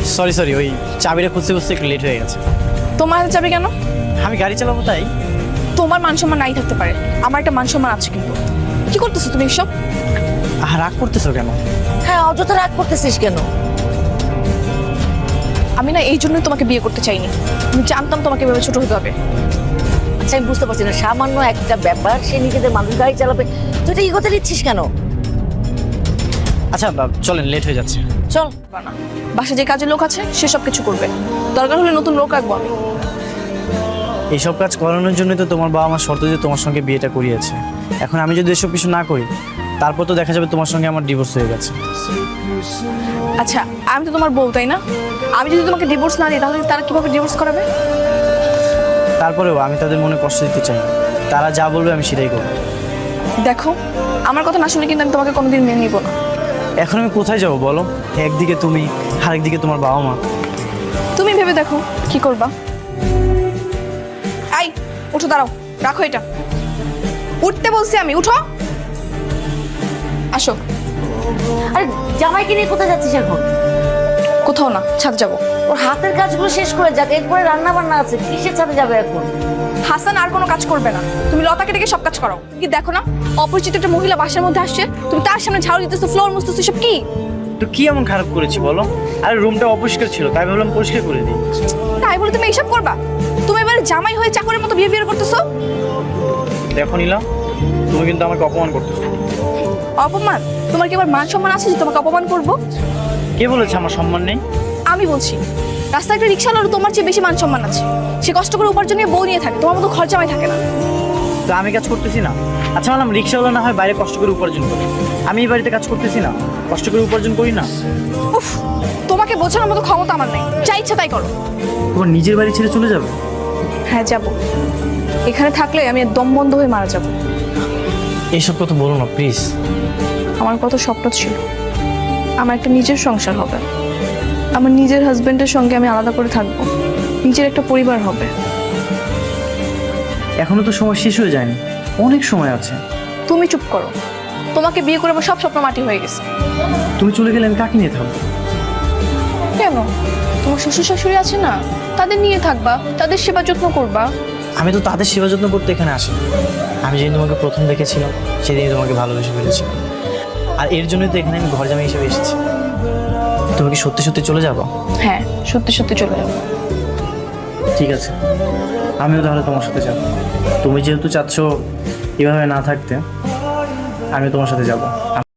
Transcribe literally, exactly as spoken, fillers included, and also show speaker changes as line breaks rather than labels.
Sorry sorry ওই চাবিটা খুঁজতে খুঁজতে একটু লেট হয়ে গেছে।
তোমার হাতে চাবি কেন?
আমি গাড়ি চালাবো তাই।
তোমার মান সম্মান নাই থাকতে পারে, আমার একটা মান সম্মান আছে। কিন্তু কি করতেছো তুমি এসব?
আর রাগ করতেছো কেন?
হ্যাঁ, অযথা রাগ করতেছিস কেন?
আমি না এই জন্যই তোমাকে বিয়ে করতে চাইনি। আমি জানতাম তোমাকে এভাবে ছোট হতে হবে।
আচ্ছা, আমি বুঝতে পারছি না, সামান্য একটা ব্যাপার, সে নিজেদের মানুষ গাড়ি চালাবে, তুই এটা ইগোতে নিচ্ছিস কেন?
আচ্ছা বা- চলেন, লেট হয়ে যাচ্ছে।
চল।
না, বাসায় যে কাজের লোক আছে সে সব কিছু করবে, দরকার হলে নতুন লোক রাখবো আমি।
এইসব কাজ করানোর জন্যই তো তোমার বাবা আমার শর্ত দিয়ে তোমার সঙ্গে বিয়েটা করিয়েছে। এখন আমি যদি এসব কিছু না করি তারপর তো দেখা যাবে তোমার সঙ্গে আমার ডিভোর্স হয়ে গেছে।
আচ্ছা, আমি তো তোমার বউ, তাই না? আমি যদি তোমাকে ডিভোর্স না দিই তাহলে তারা কিভাবে ডিভোর্স করাবে?
তারপরেও আমি তাদের মনে কষ্ট দিতে চাই না। তারা যা বলবে আমি সেটাই করবো।
দেখো, আমার কথা না শুনে কিন্তু আমি তোমাকে কোনোদিন মেনে নিব না।
এখন আমি কোথায় যাবো বলো? একদিকে তুমি, আরেকদিকে তোমার বাবা মা।
তুমি ভেবে দেখো কি করবা। আই, উঠো, দাঁড়াও, রাখো এটা। উঠতে বলছি আমি, উঠো, আসো।
আরে জামাইকে নিয়ে কোথায় যাচ্ছিস এখন?
কোথাও না, ছাদ যাবো।
ওর হাতের কাজগুলো শেষ করে যাক, এরপরে রান্না বান্না আছে, কিসের ছাদে যাবে এখন?
হাসান আর কোনো কাজ করবে না, তুমি লতাকে ডেকে সব কাজ করো। কি দেখো না, অপরিচিত একটা মহিলা বাসার মধ্যে আসছে, তুমি তার সামনে ঝাড়ু দিতেছো, ফ্লোর মুছতেছো, সব কি?
তো কি এমন খারাপ করেছি বলো? আরে রুমটা অপরিষ্কার ছিল তাই ভাবলাম পরিষ্কার করে দিই।
তাই বলে তুমি এইসব করবা? তুমি এবারে জামাই হয়ে চাকরের মতো বিহেভিয়ার করতেছো।
দেখো নিলাম, তুমি কিন্তু আমাকে অপমান করতেছো।
অপমান? তোমার কি এবার মান সম্মান আছে যে তোমাকে অপমান করবো?
কে বলেছে আমার সম্মান নেই?
আমি বলছি, রাস্তায় একটা রিক্সাওয়ালার তোমার চেয়ে বেশি মান সম্মান আছে। সে কষ্ট করে উপার্জন নিয়ে বউ নিয়ে থাকে, তোমার মতো ঘর জামাই থাকে না।
তো আমি কাজ করতেছি না? আচ্ছা বললাম রিক্সাওয়ালা না হয় বাইরে কষ্ট করে উপার্জন করি, আমি এই বাড়িতে কাজ করতেছি না, কষ্ট করে উপার্জন করি না?
উফ, তোমাকে বোঝানোর মতো ক্ষমতা আমার নেই, যা ইচ্ছা তাই করো।
তোমার নিজের বাড়ি ছেড়ে চলে যাবে?
হ্যাঁ যাব, এখানে থাকলে আমি আর দম বন্ধ হয়ে মারা যাব।
এইসব কথা বলো না প্লিজ।
আমার কত স্বপ্ন ছিল, আমার একটা নিজের সংসার হবে, আমার নিজের হাজবেন্ডের সঙ্গে আমি আলাদা করে থাকবো, নিজের একটা পরিবার হবে।
এখনো তো সময় শেষ হয়ে যায়নি, অনেক সময় আছে।
তুমি চুপ করো, তোমাকে বিয়ে করে আমার সব স্বপ্ন মাটি হয়ে গেছে।
তুমি চলে গেলে আমি কাকে নিয়ে থাকবো?
কেন? তোমার শ্বশুর শাশুড়ি আছে না, তাদের নিয়ে থাকবা, তাদের সেবা যত্ন করবা।
আমি তো তাদের সেবা যত্ন করতে এখানে আসি। আমি যেদিন তোমাকে প্রথম দেখেছিলাম সেদিনই তোমাকে ভালোবেসে ফেলেছিলাম, আর এর জন্যই তো এখানে আমি ঘর জামাই হিসেবে এসেছি। তুমি কি সত্যি সত্যি চলে যাবো?
হ্যাঁ, সত্যি সত্যি চলে যাবো।
ঠিক আছে, আমিও তাহলে তোমার সাথে যাব। তুমি যেহেতু চাচ্ছ এভাবে না থাকতে, আমিও তোমার সাথে যাব।